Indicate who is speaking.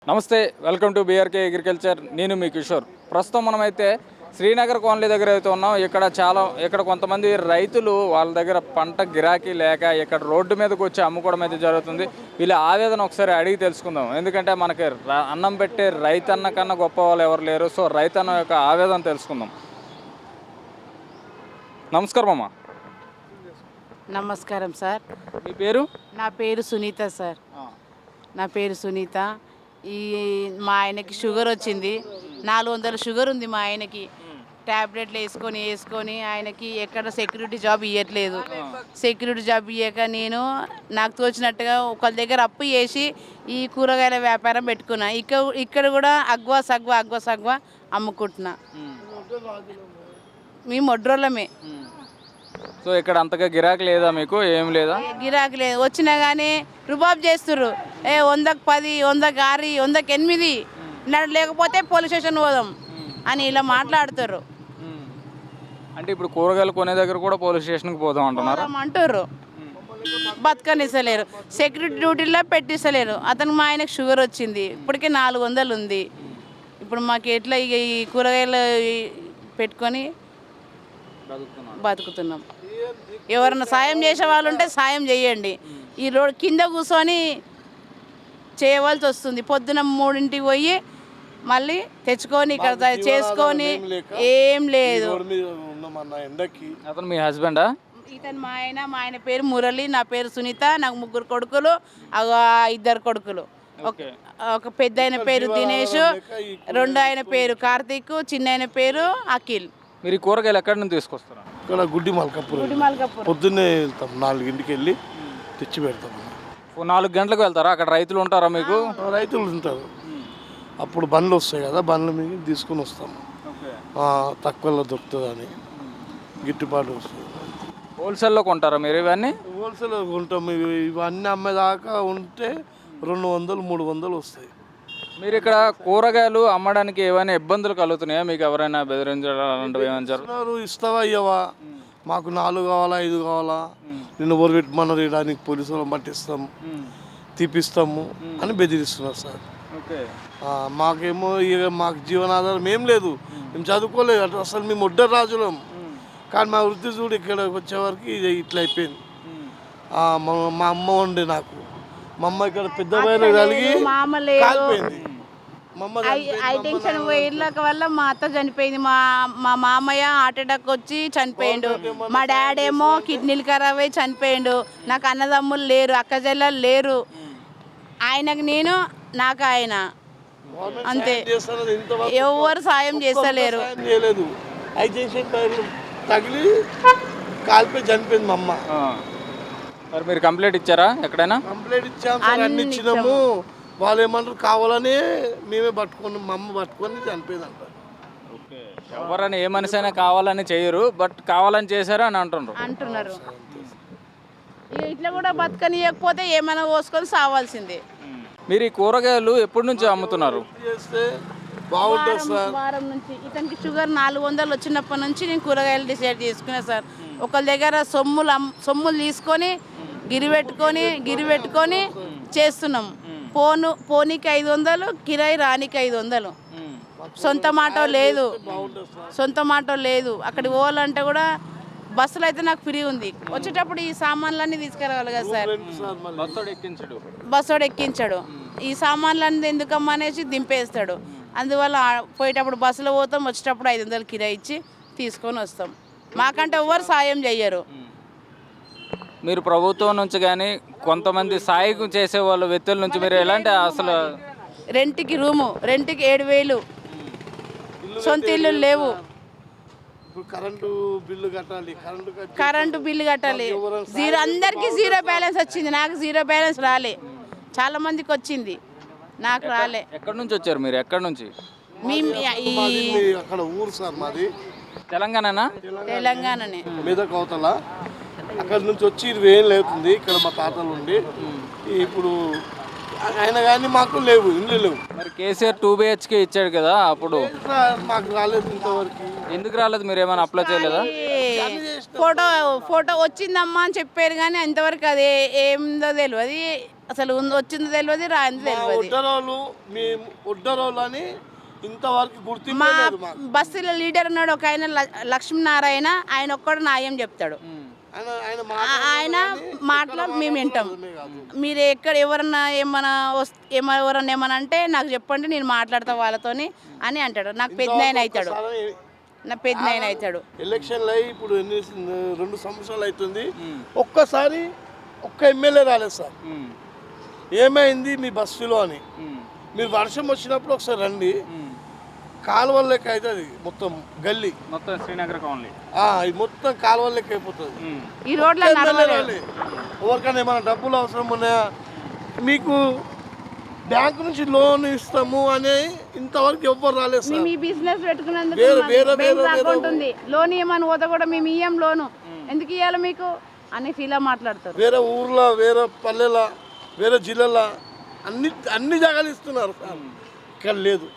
Speaker 1: నమస్తే, welcome to BRK agriculture. నేను మీ కిషోర్. ప్రస్తుతం మనమైతే శ్రీనగర్ కాలనీ దగ్గర అయితే ఉన్నాం. ఇక్కడ కొంతమంది రైతులు వాళ్ళ దగ్గర పంట గిరాకీ లేక ఇక్కడ రోడ్డు మీదకి వచ్చి అమ్ముకోవడం అయితే జరుగుతుంది. వీళ్ళ ఆవేదన ఒకసారి అడిగి తెలుసుకుందాం. ఎందుకంటే మనకి అన్నం పెట్టే రైతన్న కన్నా గొప్ప వాళ్ళు ఎవరు లేరు. సో రైతన్న యొక్క ఆవేదన తెలుసుకుందాం. నమస్కారం అమ్మా.
Speaker 2: నమస్కారం సార్.
Speaker 1: మీ పేరు?
Speaker 2: నా పేరు సునీత సార్. నా పేరు సునీత. మా ఆయనకి షుగర్ వచ్చింది. 400 షుగర్ ఉంది మా ఆయనకి. ట్యాబ్లెట్లు వేసుకొని ఆయనకి ఎక్కడ సెక్యూరిటీ జాబ్ ఇవ్వట్లేదు. సెక్యూరిటీ జాబ్ ఇవ్వక నాకు తోచినట్టుగా ఒకళ్ళ దగ్గర అప్పు చేసి ఈ కూరగాయల వ్యాపారం పెట్టుకున్నా. ఇక్కడ కూడా అగ్వా సగ్వా అమ్ముకుంటున్నా. మేము ఒడ్రోళ్ళమే.
Speaker 1: సో ఇక్కడ అంతగా గిరాకీ లేదా మీకు? ఏం లేదా?
Speaker 2: గిరాకీ లేదు. వచ్చినా కానీ రుబాబ్ చేస్తుర్రు. 100కి 10, 100కి 6, 100కి 8 లేకపోతే పోలీస్ స్టేషన్ పోదాం అని ఇలా మాట్లాడుతారు.
Speaker 1: అంటే ఇప్పుడు కూరగాయలు కొనే దగ్గర కూడా పోలీస్ స్టేషన్కి పోదాం
Speaker 2: అంటుర్రు. బతకనిస్తలేరు. సెక్యూరిటీ డ్యూటీలో పెట్టిస్తలేరు. అతనికి మా ఆయనకు షుగర్ వచ్చింది. ఇప్పటికే 400 ఉంది. ఇప్పుడు మాకు ఎట్లా ఈ కూరగాయలు పెట్టుకొని బతుకుతున్నాం. ఎవరన్నా సాయం చేసే వాళ్ళు ఉంటే సాయం చేయండి. ఈ రోడ్ కింద కూర్చొని చేయవలసి వస్తుంది. పొద్దున 3ంటికి పోయి మళ్ళీ తెచ్చుకొని ఇక్కడ చేసుకొని ఏం లేదు.
Speaker 1: అతను మీ హస్బెండా?
Speaker 2: ఇతను మా ఆయన పేరు మురళి, నా పేరు సునీత. నాకు 3 కొడుకులు, 2 కొడుకులు. ఒక పెద్ద ఆయన పేరు దినేష్, 2 ఆయన పేరు కార్తీక్, చిన్న ఆయన పేరు అఖిల్.
Speaker 1: మీరు ఈ కూరగాయలు ఎక్కడి నుంచి తీసుకొస్తారా?
Speaker 3: ఇక్కడ గుడ్డి మల్కాపూర్ పొద్దున్నే వెళ్తాం. 4ంటికి వెళ్ళి తెచ్చి పెడతాం.
Speaker 1: 4 గంటలకు వెళ్తారా? అక్కడ రైతులు ఉంటారా మీకు?
Speaker 3: రైతులు ఉంటారు. అప్పుడు బండ్లు వస్తాయి కదా, బండ్ల మీద తీసుకుని వస్తాము. తక్కువలో దొరుకుతుందని గిట్టుబాటు వస్తుంది.
Speaker 1: హోల్సేల్లో కొంటారా మీరు ఇవన్నీ?
Speaker 3: హోల్సేల్లో కొంటాం. ఇవన్నీ అమ్మేదాకా ఉంటే 200, 300 వస్తాయి.
Speaker 1: మీరు ఇక్కడ కూరగాయలు అమ్మడానికి ఏమైనా ఇబ్బందులు కలుగుతున్నాయా? మీకు ఎవరైనా బెదిరించారు?
Speaker 3: ఇస్తావా ఇవ్వవా, మాకు 4 కావాలా 5 కావాలా, నిన్ను ఊరు పెట్టమన్నారు, ఇవ్వడానికి పోలీసులు పట్టిస్తాం, తీపిస్తాము అని బెదిరిస్తున్నారు సార్. మాకేమో ఇక మాకు జీవనాధారం ఏం లేదు. మేము చదువుకోలేదు అసలు. మేము ఒడ్డ రాజులం. కానీ మా వృత్తి చూడు ఇక్కడికి వచ్చేవరకు ఇది ఇట్లా అయిపోయింది. మా అమ్మ ఉండే నాకు. మా అమ్మ ఇక్కడ పెద్ద పైన కలిగి కాలిపోయింది.
Speaker 2: టెన్షన్ ఇళ్ళక వల్ల మా అత్త చనిపోయింది. మా మామయ్య హార్ట్ అటాక్ వచ్చి చనిపోయిండు. మా డాడీ ఏమో కిడ్నీలు ఖరాబ్ అయ్యి చనిపోయిండు. నాకు అన్నదమ్ములు లేరు, అక్క చెల్లెలు లేరు. ఆయనకు నేను, నాకు ఆయన, అంతే. ఎవరు సాయం చేస్తలేరు.
Speaker 3: తగిలి కాలిపోయి చనిపోయింది మా అమ్మ.
Speaker 1: మరి మీరు కంప్లైంట్ ఇచ్చారా ఎక్కడైనా?
Speaker 3: కంప్లైంట్ ఇచ్చాము, అన్ని ఇచ్చినాము. వాళ్ళు ఏమంటారు, కావాలని మేమే పట్టుకున్నాం. మా అమ్మ పట్టుకొని చనిపోయింది అంటారు.
Speaker 1: ఎవరైనా ఏ మనిషి అయినా కావాలని చేయరు, బట్ కావాలని చేశారు అని
Speaker 2: అంటున్నారు. ఇట్లా కూడా బతకనియకపోతే ఏమైనా పోసుకొని సావాల్సిందే.
Speaker 1: మీరు ఈ కూరగాయలు ఎప్పటి నుంచి అమ్ముతున్నారు?
Speaker 2: వారం నుంచి. ఇతనికి షుగర్ 400 వచ్చినప్పటి నుంచి నేను కూరగాయలు డిసైడ్ చేసుకున్నా సార్. ఒకళ్ళ దగ్గర సొమ్ములు తీసుకొని గిరి పెట్టుకొని చేస్తున్నాం. పోనీకి 500, కిరాయి రానికి 500. సొంత మాట లేదు. అక్కడికి పోవాలంటే కూడా బస్సులో అయితే నాకు ఫ్రీ ఉంది. వచ్చేటప్పుడు ఈ సామాన్లన్నీ తీసుకురావాలి కదా సార్. బస్సోడు ఎక్కించాడు. ఈ సామాన్లన్నీ ఎందుకమ్మా అనేసి దింపేస్తాడు. అందువల్ల పోయేటప్పుడు బస్సులో పోతాం, వచ్చేటప్పుడు 500 కిరాయి ఇచ్చి తీసుకొని వస్తాం. మాకంటే ఎవరు సాయం చెయ్యరు.
Speaker 1: మీరు ప్రభుత్వం నుంచి కానీ కొంతమంది సాయం చేసే వాళ్ళ వ్యక్తుల నుంచి మీరు ఎలాంటి అసలు
Speaker 2: రెంట్కి 7,000, సొంత ఇల్లు లేవు, కరెంటు బిల్లు కట్టాలి. అందరికీ 0 బ్యాలెన్స్ వచ్చింది. నాకు 0 బ్యాలెన్స్ రాలే. చాలా మందికి వచ్చింది, నాకు రాలే.
Speaker 1: ఎక్కడి నుంచి వచ్చారు మీరు? ఎక్కడి నుంచి?
Speaker 2: తెలంగాణనే.
Speaker 3: మీద కోతల అక్కడ నుంచి వచ్చి 20 ఏళ్ళు అవుతుంది. ఇక్కడ మా తాతలు ఉండి ఇప్పుడు అయినా కానీ మాకు లేవు, ఇల్లు లేవు.
Speaker 1: మరి కేసీఆర్ 2 BHK ఇచ్చాడు కదా, అప్పుడు
Speaker 3: మాకు రాలేదు ఇంతవరకు.
Speaker 1: ఎందుకు రాలేదు? మీరు ఏమైనా అప్లై చేయలేదా?
Speaker 2: ఫోటో వచ్చిందమ్మా అని చెప్పారు కానీ ఇంతవరకు అది ఏందో తెలియదు. అసలు వచ్చింది తెలియదు, రాయింది తెలియదు.
Speaker 3: ఒడ్డరోళ్ళు మేము ఒడ్డరోళ్ళు అని ఇంతవరకు గుర్తింపు
Speaker 2: మా
Speaker 3: లేదు మాకు.
Speaker 2: బస్సులో లీడర్ ఉన్నాడు ఒక ఆయన, లక్ష్మీనారాయణ, ఆయన ఒక్కడు న్యాయం చెప్తాడు. ఆయన మాటలో మేము వింటాం. మీరు ఎక్కడ ఎవరన్నా ఎవరన్నా ఏమన్నా అంటే నాకు చెప్పండి, నేను మాట్లాడతా వాళ్ళతోని అని అంటాడు. నాకు పెద్ద ఆయన అవుతాడు, నా పెద్ద ఆయన అవుతాడు.
Speaker 3: ఎలక్షన్లు అయ్యి ఇప్పుడు 2 సంవత్సరాలు అవుతుంది, ఒక్కసారి ఒక్క ఎమ్మెల్యే రాలేదు సార్. ఏమైంది మీ బస్సులో అని. మీరు వర్షం వచ్చినప్పుడు ఒకసారి రండి, కాలువల లెక్క అవుతుంది మొత్తం గల్లీ,
Speaker 1: మొత్తం శ్రీనగర్ కాలనీ
Speaker 3: ఇది మొత్తం కాలువల లెక్క అయిపోతుంది.
Speaker 2: ఈ రోడ్ల
Speaker 3: ఎవరికైనా ఏమైనా డబ్బులు అవసరం ఉన్నాయా, మీకు బ్యాంకు నుంచి లోన్ ఇస్తాము అని ఇంతవరకు ఎవ్వరు రాలేదు సార్.
Speaker 2: మీ బిజినెస్ పెట్టుకున్నందుకు
Speaker 3: వేరే
Speaker 2: అకౌంట్ ఉంది, లోన్ ఇవ్వమని పోతే కూడా మేము ఇయ్యం లోను, ఎందుకు ఇవ్వాలి మీకు అని ఫీల్ మాట్లాడతారు.
Speaker 3: వేరే ఊర్లో, వేరే పల్లెల, వేరే జిల్లాల అన్ని జాగాలు ఇస్తున్నారు సార్, ఇక్కడ లేదు.